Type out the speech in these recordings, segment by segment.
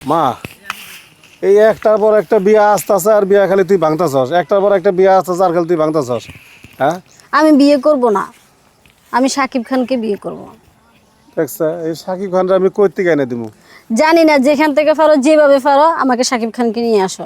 মা, এই একটার পর একটা বিয়া আসতেছে আর বিয়া খালি তুই ভাঙতাছস, একটার পর একটা বিয়া আসতেছে আর খালি তুই ভাঙতাছস। হ্যাঁ, আমি বিয়ে করব না, আমি সাকিব খানকে বিয়ে করব। দেখছে এই সাকিব খানরা আমি কই থেকে এনে দিমু? জানি না, যেখান থেকে পারো যেভাবে পারো আমাকে সাকিব খানকে নিয়ে আসো।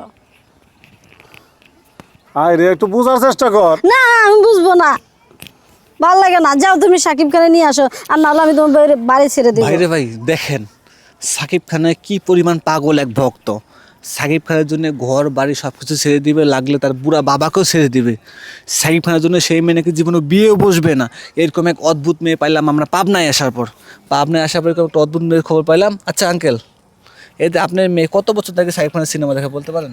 আয় রে, একটু বোঝার চেষ্টা কর। না, আমি বুঝবো না, ভালো লাগে না। যাও তুমি সাকিব খানে নিয়ে আসো, আর নাহলে আমি তোমার বাড়ি ছেড়ে দেবো। ভাইরে ভাই দেখেন, সাকিব খানের কি পরিমাণ পাগল এক ভক্ত। সাকিব খানের জন্য ঘর বাড়ি সব কিছু ছেড়ে দিবে, লাগলে তার বুড়া বাবাকেও ছেড়ে দিবে। সাকিব খানের জন্য সেই মেয়ে নাকি জীবনে বিয়েও বসবে না। এরকম এক অদ্ভুত মেয়ে পাইলাম আমরা পাবনায় আসার পর। এরকম একটা অদ্ভুত মেয়ের খবর পাইলাম। আচ্ছা আঙ্কেল, এতে আপনার মেয়ে কত বছর থেকে সাকিব খানের সিনেমা দেখা বলতে পারেন?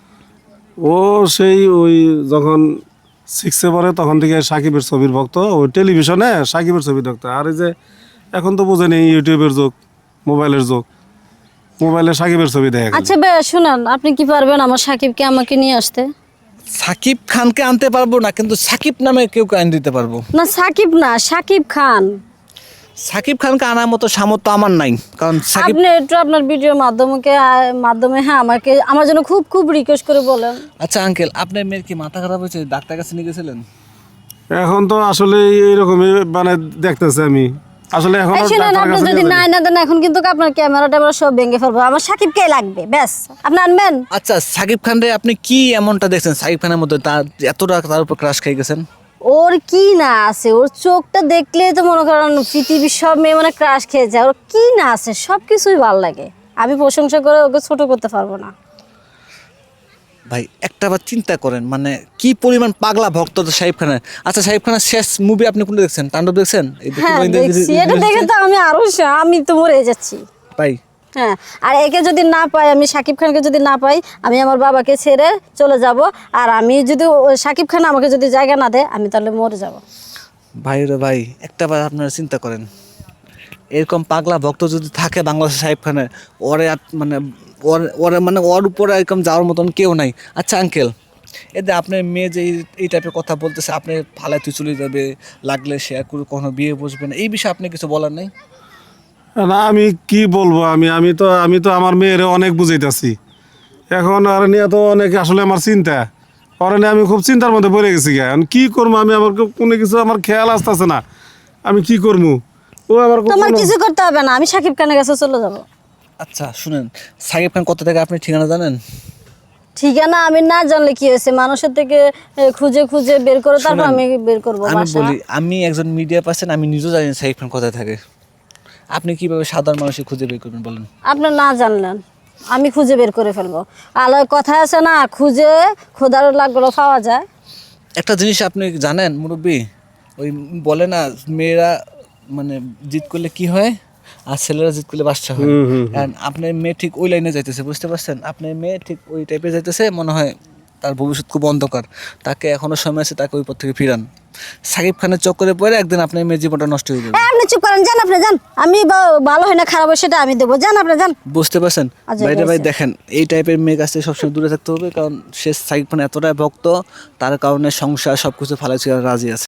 ও সেই ওই যখন 6-এ পড়ে তখন থেকে সাকিবের ছবির ভক্ত। ওই টেলিভিশনে সাকিবের ছবি দেখতো। আর এই যে এখন তো বুঝেনি ইউটিউবের যুগ, মোবাইলের যুগ, মোবাইলে সাকিবের ছবি দেখে। আচ্ছা ভাইয়া শুনান, আপনি কি পারবেন আমার সাকিবকে আমাকে নিয়ে আসতে? সাকিব খানকে আনতে পারবো না, কিন্তু সাকিব নামে কেউ আইন দিতে পারবো। না সাকিব না, সাকিব খান। সাকিব খানকে আনার মতো সামর্থ্য আমার নাই, কারণ সাকিব। আপনি একটু আপনার ভিডিওর মাধ্যমে হ্যাঁ আমাকে আমার জন্য খুব খুব রিকোয়েস্ট করে বলেন। আচ্ছা আঙ্কেল, আপনার মেয়ের কি মাথা খারাপ হয়েছে? ডাক্তার কাছে নিয়ে গেছিলেন? এখন তো আসলে এইরকমই মানে দেখতেছে আমি আসলে এখন এই শুনেন, আপনি যদি না দেন এখন কিন্তু আপনার ক্যামেরা ট্যামেরা সব ভেঙে ফেলবো। আমার সাকিবকে লাগবে, ব্যাস। আপনি আনবেন? আচ্ছা, সাকিব খান রে আপনি কি এমনটা দেখছেন সাকিব খানের মধ্যে তার এতটা তার উপর ক্রাশ খেয়ে গেছেন? ওর কি না আছে, ওর চোখটা দেখলেই তো মনে করেন পৃথিবীর সব মেয়ে মানে ক্রাশ খেয়ে যায়। ওর কি না আছে সব কিছুই ভালো লাগে। আমি প্রশংসা করে ওকে ছোট করতে পারবো না। ভাই একটা বার চিন্তা করেন, মানে কি পরিমাণ পাগলা ভক্ত তো সাকিব খানের। আচ্ছা, সাকিব খানের শেষ মুভি আপনি কোনটা দেখছেন? তাণ্ডব দেখছেন? হ্যাঁ দেখছি, এটা দেখে তো আমি তো মরে যাচ্ছি ভাই হ্যাঁ। আর একে যদি না পাই, আমি সাকিব খানকে যদি না পাই, আমি আমার বাবাকে ছেড়ে চলে যাব। আর আমি যদি সাকিব খান আমাকে যদি জায়গা না দেয়, আমি তাহলে মরে যাব। ভাই রে ভাই, একটা বার আপনারা চিন্তা করেন, এরকম পাগলা ভক্ত যদি থাকে বাংলাদেশের সাকিব খানের, ওরে মানে ওরে মানে ওর উপরে এরকম যাওয়ার মতন কেউ নাই। আচ্ছা আঙ্কেল, এতে আপনার মেয়ে যে এই টাইপের কথা বলতেছে, আপনি ফালায় তুই চলে যাবে, লাগলে সে আর কখনো বিয়ে বসবে না, এই বিষয়ে আপনি কিছু বলার নেই? না, আমি কি বলবো? আমি তো আমার মেয়েরে অনেক বুঝাইতেছি। এখন আর নিয়ে তো অনেক আসলে আমার চিন্তা। আর নিয়ে আমি খুব চিন্তার মধ্যে পড়ে গেছি। এখন কি করবো আমি? আমার কোনো কিছু আমার খেয়াল আসতেছে না। আমি কি করবো? ও আবার তোমার কিছু করতে হবে না, আমি সাকিব খানের কাছে চলে যাব। আচ্ছা শুনেন, সাকিব খান কত থেকে আপনি ঠিকানা জানেন? ঠিকানা আমি না জানলে কি হয়েছে, মানুষের থেকে খুঁজে খুঁজে বের করে তারপর আমি বের করবো আমি বাসা। বলি, আমি একজন মিডিয়া পার্সন, আমি নিজেও জানি না সাকিব খান কোথায় থাকে। আপনি কিভাবে সাধারণ মানুষের খুঁজে বের করবেন বলেন? আপনার না জানলেন, আমি খুঁজে বের করে ফেলবো। আলোয় কথা আছে না, খুঁজে খোদার লাগলো পাওয়া যায়। একটা জিনিস আপনি জানেন মুরব্বী, ওই বলে না মেয়েরা মানে জিত করলে কি হয় আর ছেলেরা জিত করলে বাচ্চা হয়। And আপনার মেয়ে ঠিক ওই লাইনে যাইতেছে, বুঝতে পারছেন? আপনার মেয়ে ঠিক ওই টাইপে যাইতেছে, মনে হয় তার ভবিষ্যৎ খুব অন্ধকার। তাকে এখনো সময় আছে, তাকে ওই পথ থেকে ফিরান। সাকিব খানের চক্করে পড়ে একদিন আপনার মেয়ের জীবনটা নষ্ট হয়ে যাবে। আপনি চুপ করেন, যান আপনি যান। আমি ভালো হয় না খারাপ হয় সেটা আমি দেবো, যান আপনি যান। বুঝতে পারছেন? আচ্ছা, ভাইরে ভাই হয়েছে। দেখেন, এই টাইপের মেয়ে কাছ থেকে সবসময় দূরে থাকতে হবে, কারণ সে সাকিব খান এতটাই ভক্ত, তার কারণে সংসার সবকিছু ফালাই রাজি আছে।